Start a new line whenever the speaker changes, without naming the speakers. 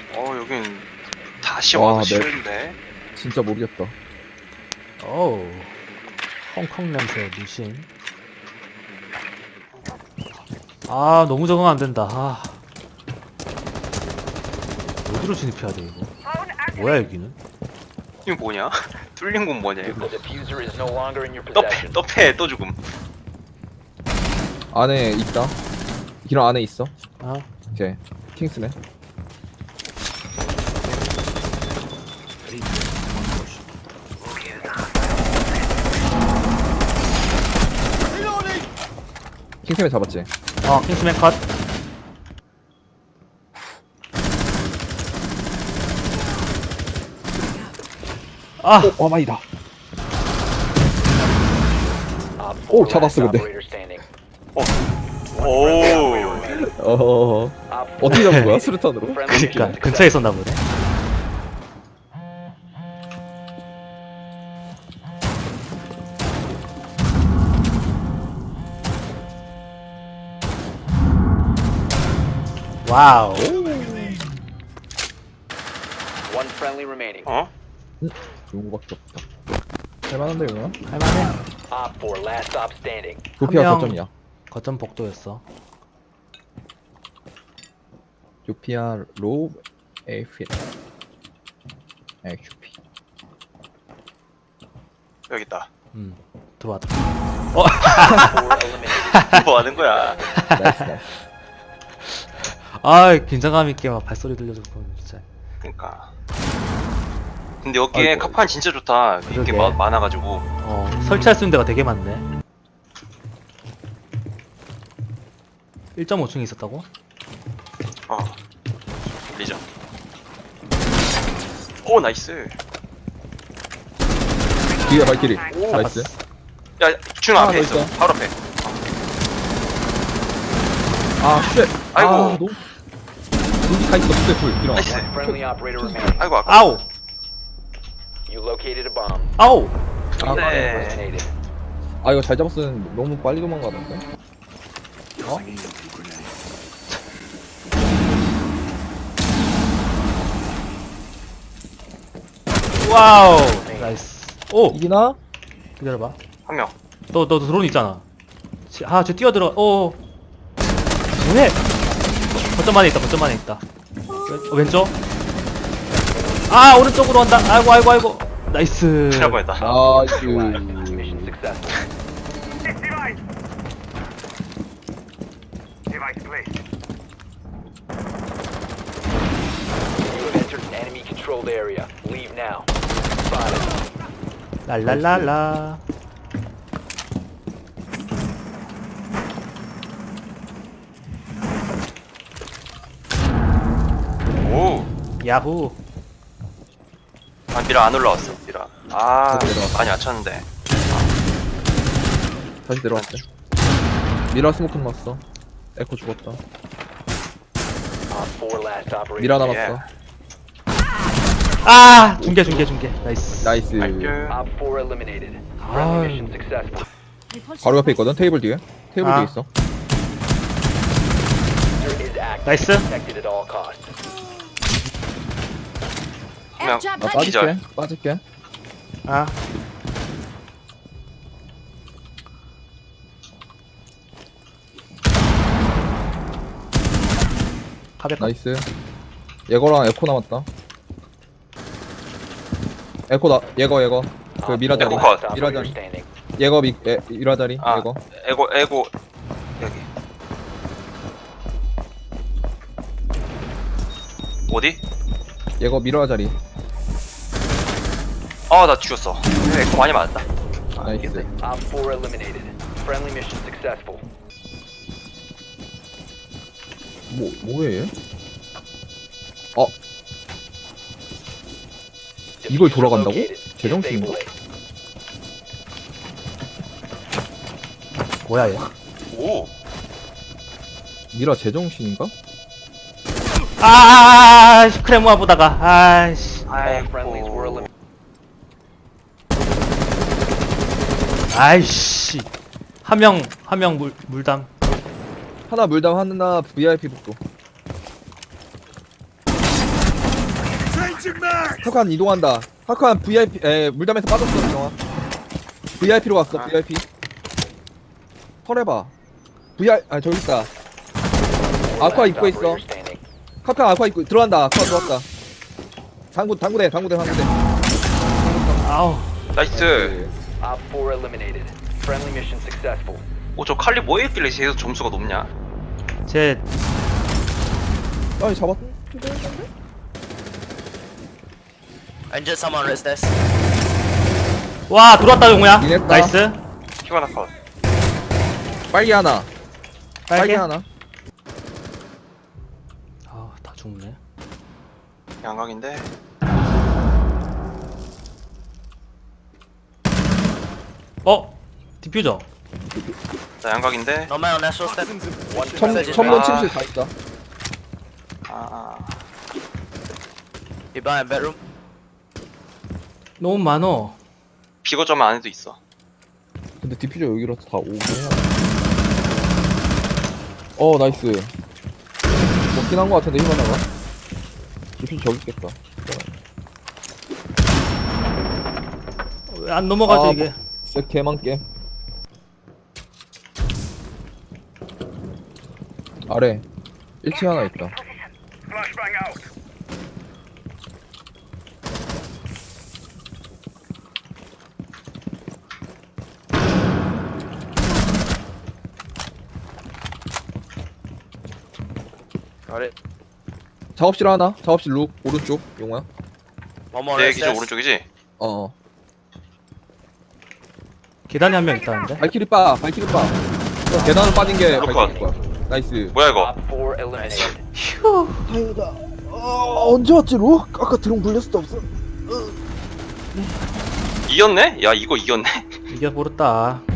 여긴 다시
와,
와도
네.
싫은데.
진짜 모르겠다.
어우, 헝컹 냄새 무신. 아, 너무 적응 안 된다. 아, 어디로 진입해야 돼 이거? 뭐야 여기는?
이거 뭐냐? 뚫린 건 뭐냐 이거?
The diffuser is no longer in your
떡패
possession.
떡패 또 죽음.
안에 있다. 기름 안에 있어.
아,
이제 킹스맨. 킹스맨 잡았지.
킹스맨 컷. 아,
와마이다.
Op
오,
4
잡았어,
last
근데.
operator standing.
오.
어허허.
Op 4
어떻게 잡은 거야? 수류탄으로?
friendly
그니까
mission
근처에 있었나 보네. 와우.
One friendly remaining.
좋은 거밖에 없다. 할만한데 이거?
할만해.
Op 4 last stop standing.
조피아
명.
거점이야.
거점 복도였어.
조피아 로우 에이핏. XP.
여기 있다.
들어왔다.
4 eliminated.
뭐 하는 거야?
나이스 나이스.
아, 긴장감 있게 막 발소리 들려줘서 진짜.
그러니까. 근데 여기에
아이고.
카판 진짜 좋다. 이게
그러게.
많아가지고.
설치할 수 있는 데가 되게 많네. 1.5층에 있었다고?
리전. 오 나이스.
뒤에 발길이.
잡았어.
나이스.
야 중
하나
앞에
더
있어.
있어.
바로 앞에.
아 쉣.
아이고.
아, 너무. 여기 다 있어. 그때 불. 일어나.
나이스.
Friendly operator remaining.
아이고 아까.
아우!
You located a bomb.
아우!
아,
네.
Eliminated.
아 이거 잘 잡았으면 너무 빨리 도망가던데.
와우! 나이스. 오!
이기나?
기다려봐.
한 명.
너 드론 있잖아. 쟤 뛰어들어. 오! 뭐해? 거점 안에 있다, 거점 안에 있다. 왼쪽? 아, 오른쪽으로 간다. 아이고. 나이스.
큰일 날 뻔했다.
나이스.
Mission successful. You have entered an enemy controlled area. Leave now. Spotted.
랄랄랄라.
오.
야후.
아 미라 안 올라왔어. 미라. 아
다시 내려왔어.
많이 아쳤는데.
다시 내려왔대. 미라 스모크 났어. 에코 죽었다.
Op 4 last operator.
미라
standing.
남았어.
아! 중계. 나이스.
나이스.
나이스.
Op 4 eliminated.
Ah.
Friendly mission successful.
바로 옆에 있거든. 테이블 뒤에. 테이블
아.
뒤에 있어.
Diffuser is active.
나이스.
Protected at all costs.
한 명.
나 빠질게.
기절.
빠질게.
아. 가볍다.
나이스. 예거랑 에코 남았다. 에코 나 예거. 그
Op
미라
4
자리.
에코 컷.
last
미라
operator
자리.
standing.
예거 미라 자리.
아
예거.
에고 여기. 어디?
예거 미라 자리.
아 나 죽였어. 에코 많이 맞았다.
나이스.
Op 4 eliminated. Friendly mission successful.
뭐해 얘? 이걸 돌아간다고?
Located.
제정신인가?
Disable it.
뭐야 얘?
오.
미라 제정신인가?
크레모아 보다가 아이씨.
All friendlies were eliminated.
아이씨. 한 명 물담.
하나 물담 하나 VIP 복도. 카칸 이동한다. 카칸 VIP 물담에서 빠졌어 영화. VIP로 갔어 VIP. 털해봐. 아 저기 있다. 아쿠아 입고 있어.
Operator standing.
카칸 아쿠아 입고 들어간다. 아쿠아 들어왔다. 당구대.
아우.
나이스.
Op 4 eliminated. Friendly mission successful.
오, 저 칼리 뭐에 있길래 계속 점수가 높냐?
제
아니 잡았.
Injured someone on this.
와, 들어왔다 용우야.
이랬다.
나이스.
키가 나컷.
빨리 하나. 빨리
빨개.
하나.
아, 다 죽네.
양각인데.
디퓨저.
나 양각인데.
No man on natural step.
One friendly
첨문
아.
침실 다 있다.
You buy a bedroom.
너무 많어.
비거점 안에도 있어.
근데 디퓨저 여기로 다 오긴 해야 돼. 나이스. 먹긴 한 거 같은데 힘 하나가. 디퓨저 저기 있겠다.
왜 안 넘어가죠
아,
이게?
진짜 개만 게임. 아래 1층 하나 있다.
Got it.
작업실 하나. 작업실 룩 오른쪽 용호야.
One more on
내
this.
기준 오른쪽이지?
계단에 한 명 있다는데?
발키리 빠. 계단으로 빠진 게
룩컷.
발키리 빠. 나이스.
뭐야 이거?
Op 4 eliminated.
다행이다. 언제 왔지 룩? 아까 드론 굴렸을 때 없어.
이겼네? 야 이거 이겼네?
이겨버렸다.